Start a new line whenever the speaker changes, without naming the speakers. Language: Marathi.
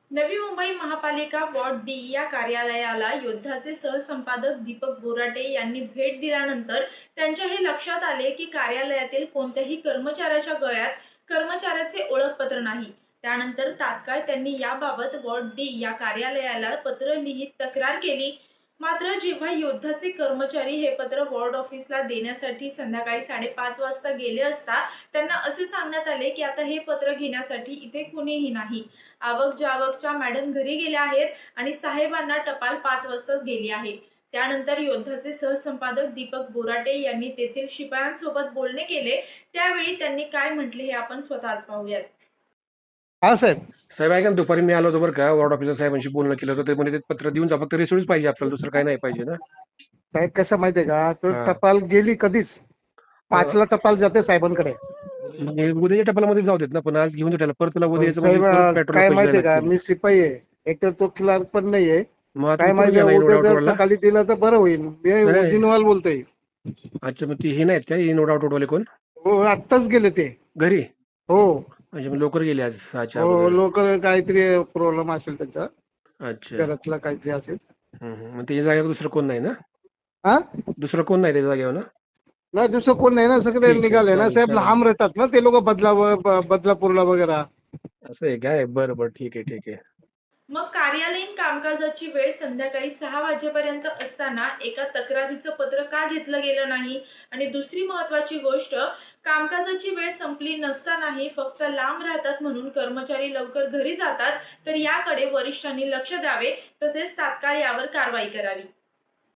नवी मुंबई महापालिका वॉर्ड डी या कार्यालयाला योद्धाचे सहसंपादक दीपक बोराटे यांनी भेट दिल्यानंतर त्यांच्या हे लक्षात आले की कार्यालयातील कोणत्याही कर्मचाऱ्याच्या गळ्यात कर्मचाऱ्याचे ओळखपत्र नाही. त्यानंतर तात्काळ त्यांनी याबाबत वॉर्ड डी या कार्यालयाला पत्र लिहित तक्रार केली. मात्र जेव्हा योद्धाचे कर्मचारी हे पत्र वॉर्ड ऑफिसला देण्यासाठी संध्याकाळी 5:30 वाजता गेले असता त्यांना असे सांगण्यात आले की आता हे पत्र घेण्यासाठी इथे कुणीही नाही. आवक जावकच्या मॅडम घरी गेल्या आहेत आणि साहेबांना टपाल 5 वाजताच गेली आहे. त्यानंतर योद्धाचे सहसंपादक दीपक बोराटे यांनी तेथील शिपायांसोबत बोलणे केले. त्यावेळी त्यांनी काय म्हटले हे आपण स्वतःच पाहूयात.
हा साहेब.
साहेब ऐका ना, दुपारी मी आलो होतो बरं का, वॉर्ड ऑफिसर साहेबांशी बोलणं केलं होतं. ते म्हणे ते पत्र देऊन जा, फक्त रिसिव्हच पाहिजे आपल्याला, दुसरं काही नाही पाहिजे ना.
साहेब कसं माहितीये का, तो
हा.
टपाल गेली कधीच 5ला टपाल जाते साहेबांकडे.
मग हे उद्याच्या टपालामध्ये जाऊ देत ना, पण आज घेऊन त्याला परत त्याला उद्या यायचं म्हणजे
साहेब
परत पेट्रोल
काय
पैसे
माहितीये
द्यायला
का,
लागतील.
मी शिपाई आहे, एकतर तो क्लार्क पण नाहीये.
मग आता
काय
कुठे
माहितीये
गेला
उद्या
इनोड
जर
आउटवरला?
सकाळी दिलं तर बरं होईल. मी
नाही.
उजिनवाल बोलतोय.
अच्छा, मग ती हे नाहीत का इनोड आउटवाले कोण
हो आत्ताच गेले ते.
घरी?
हो
म्हणजे मग लवकर गेले आज 6च्या
हो
अगोदर.
लोक काहीतरी प्रॉब्लेम असेल त्यांचा,
अच्छा.
घरातला काहीतरी असेल.
मग त्याच्या जागेवर दुसरं कोण नाही ना?
हा
दुसरं कोण नाही त्याच्या जागेवर ना?
नाही दुसरं कोण नाही ना, सगळे
ठीक आहे,
निघाले ना
चालेल
साहेब.
चालेल.
लांब राहतात ना ते लोक, बदलापूरला वगैरे.
असं आहे काय? बरं बरं, ठीक आहे ठीक आहे.
मग कार्यालयीन कामकाजाची वेळ संध्याकाळी 6 वाजेपर्यंत असताना एका तक्रारीचं पत्र का घेतलं गेलं नाही? आणि दुसरी महत्त्वाची गोष्ट, कामकाजाची वेळ संपली नसतानाही फक्त लांब राहतात म्हणून कर्मचारी लवकर घरी जातात, तर याकडे वरिष्ठांनी लक्ष द्यावे, तसेच तात्काळ यावर कारवाई करावी.